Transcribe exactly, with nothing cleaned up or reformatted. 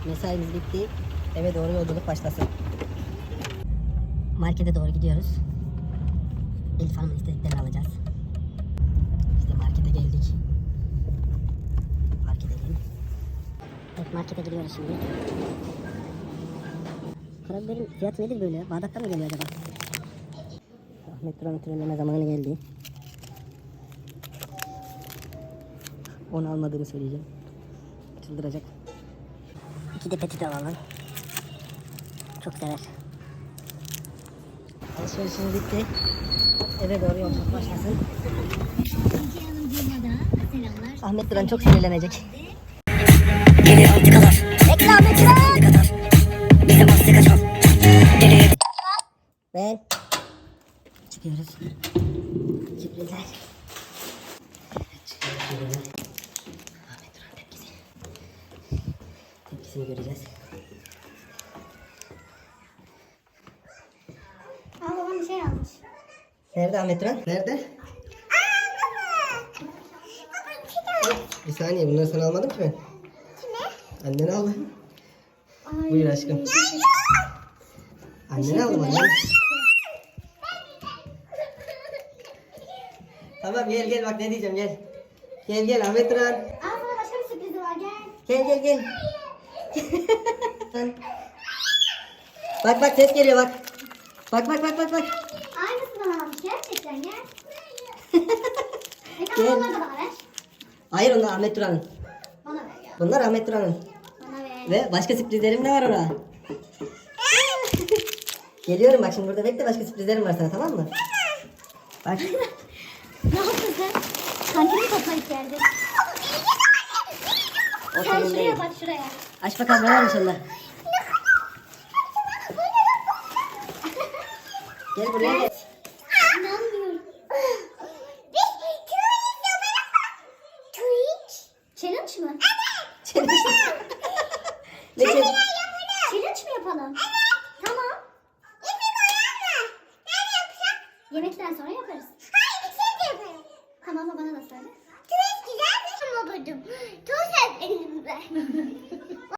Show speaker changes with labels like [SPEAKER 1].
[SPEAKER 1] Mesaimiz bitti. Eve doğru yolculuk başlasın. Markete doğru gidiyoruz. Elif Hanım'ın istediklerini alacağız. İşte markete geldik. Park edelim. Evet, markete gidiyoruz şimdi. Karabiberin fiyatı nedir böyle? Bağdat'tan mı geliyor acaba? Ahmet Duran'ın trenleme zamanı geldi. Onu almadığını söyleyeceğim. Çıldıracak. İki de petit alalım. Çok sever. Alışverişimiz bitti. Eve doğru yolculuk başlasın. Ahmet Duran çok sinirlenecek. Geliyor antikalar. Bekle Ahmet Duran. Bize mastika çal. Geliyor. Ve çıkıyoruz. Sürprizler. Çıkıyoruz. Ahmet Duran tepkisi. Tepkisini göreceğiz.
[SPEAKER 2] Aa, babam bir şey almış.
[SPEAKER 1] Nerede Ahmet Duran? Nerede?
[SPEAKER 2] Aa, baba. Baba bir şey almış.
[SPEAKER 1] Bir saniye, bunları sana almadım ki ben.
[SPEAKER 2] Kime?
[SPEAKER 1] Annene aldı.
[SPEAKER 2] Ay.
[SPEAKER 1] Buyur aşkım.
[SPEAKER 2] Ya yok.
[SPEAKER 1] Annene aldım annem. Tamam gel gel, bak ne diyeceğim, gel. Gel gel Ahmet Duran.
[SPEAKER 2] Aa, sana başka bir sürprizi var, gel.
[SPEAKER 1] Gel gel gel. Bak bak, ses geliyor bak. Bak bak bak bak bak.
[SPEAKER 2] Aynısını almış gerçekten, gel. E
[SPEAKER 1] Gel.
[SPEAKER 2] tamam, onları da bana ver.
[SPEAKER 1] Hayır, onlar Ahmet Duran'ın.
[SPEAKER 2] Bana ver ya.
[SPEAKER 1] Bunlar Ahmet Duran'ın.
[SPEAKER 2] Bana ver.
[SPEAKER 1] Ve başka sürprizlerim de var ona. Geliyorum bak, şimdi burada bekle, başka sürprizlerim var sana, tamam mı? Bak.
[SPEAKER 2] Ne yaptın sen? Kankini toplayıp geldin.
[SPEAKER 1] O
[SPEAKER 2] Sen
[SPEAKER 1] senin
[SPEAKER 2] şuraya
[SPEAKER 1] değil.
[SPEAKER 2] bak, şuraya.
[SPEAKER 1] Aç bakalım, ne varmış onda. Gel buraya gel.
[SPEAKER 2] İnanmıyorum. Twitch. Challenge mı?
[SPEAKER 1] Challenge. Ne challenge?
[SPEAKER 2] Challenge mi yapalım? Tamam. Yemekten sonra yaparız. Hayır, şimdi yaparım. Tamam, ama bana da söyle. Twitch güzel bir şey buldum. Çok sevdim ben.